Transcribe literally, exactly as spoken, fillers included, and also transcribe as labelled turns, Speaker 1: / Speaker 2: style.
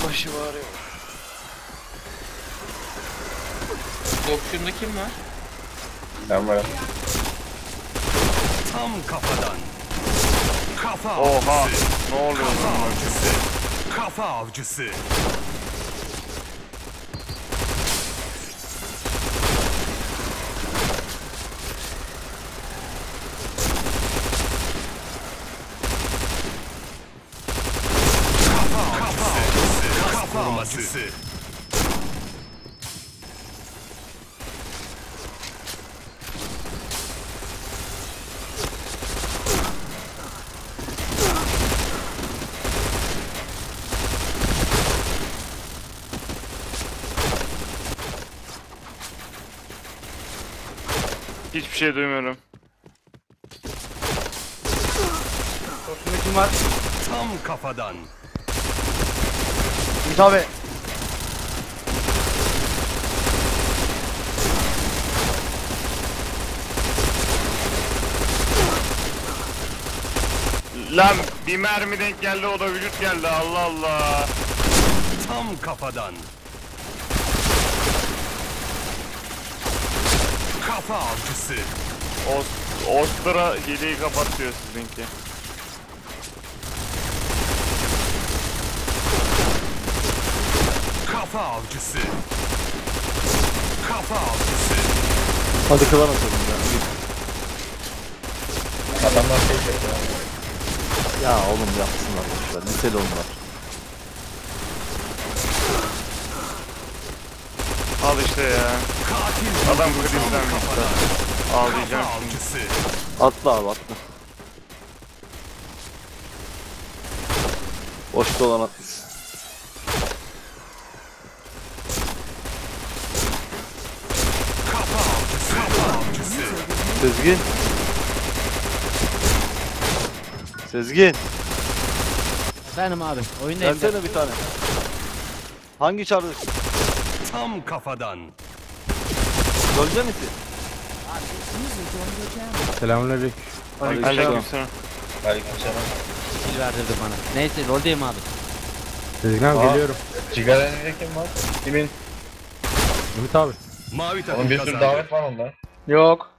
Speaker 1: başı bağırıyor.
Speaker 2: Dokşunda kim var?
Speaker 3: Ben varım.
Speaker 4: Tam kafadan. Kafa
Speaker 1: Oha!
Speaker 4: avcısı.
Speaker 1: Ne oluyor
Speaker 4: Kafa
Speaker 1: lan?
Speaker 4: avcısı. Kafa avcısı. Kafa avcısı. Kafa avcısı.
Speaker 1: Hiçbir şey duymuyorum.
Speaker 2: Dokşunda kim var?
Speaker 4: Tam kafadan.
Speaker 2: Ümit abi.
Speaker 1: Lan bir mermi denk geldi, o da vücut geldi. Allah Allah.
Speaker 4: Tam kafadan. Kafa avcısı.
Speaker 1: Ost Ostra hileyi kapat diyor sizinki.
Speaker 4: Kafa avcısı. Kafa avcısı.
Speaker 5: Hadi kılan atalım ya.
Speaker 3: Adamlar şey çekti.
Speaker 5: Ya oğlum yapsınlar boşver. Liseli onlar.
Speaker 1: Al işte ya.
Speaker 4: Katil.
Speaker 1: Adam
Speaker 4: Tam
Speaker 1: krizden
Speaker 4: kafadan.
Speaker 1: Ağlayacağım
Speaker 4: Kafa
Speaker 1: şimdi.
Speaker 4: avcısı.
Speaker 5: Atla abi atla. Boşta olan atlasın.
Speaker 4: Kafa avcısı. Kafa avcısı.
Speaker 5: Sezgin. Sezgin.
Speaker 6: Benim abi. Oyundayım.
Speaker 5: Versene bir tane. Hangi çardır?
Speaker 4: Tam kafadan.
Speaker 5: Gölge misin?
Speaker 7: Selamünaleyküm.
Speaker 1: Aleykümselam.
Speaker 3: Aleykümselam.
Speaker 6: Sil verdirdi bana. Neyse roldeyim abi.
Speaker 7: Sezgin abi
Speaker 3: Aa.
Speaker 7: geliyorum.
Speaker 3: Sigara elinde kim var? Kimin?
Speaker 7: Ümit abi.
Speaker 4: Mavi takım
Speaker 3: Onun bir sürü
Speaker 4: kazandı.
Speaker 3: davet var onda.
Speaker 2: Yok.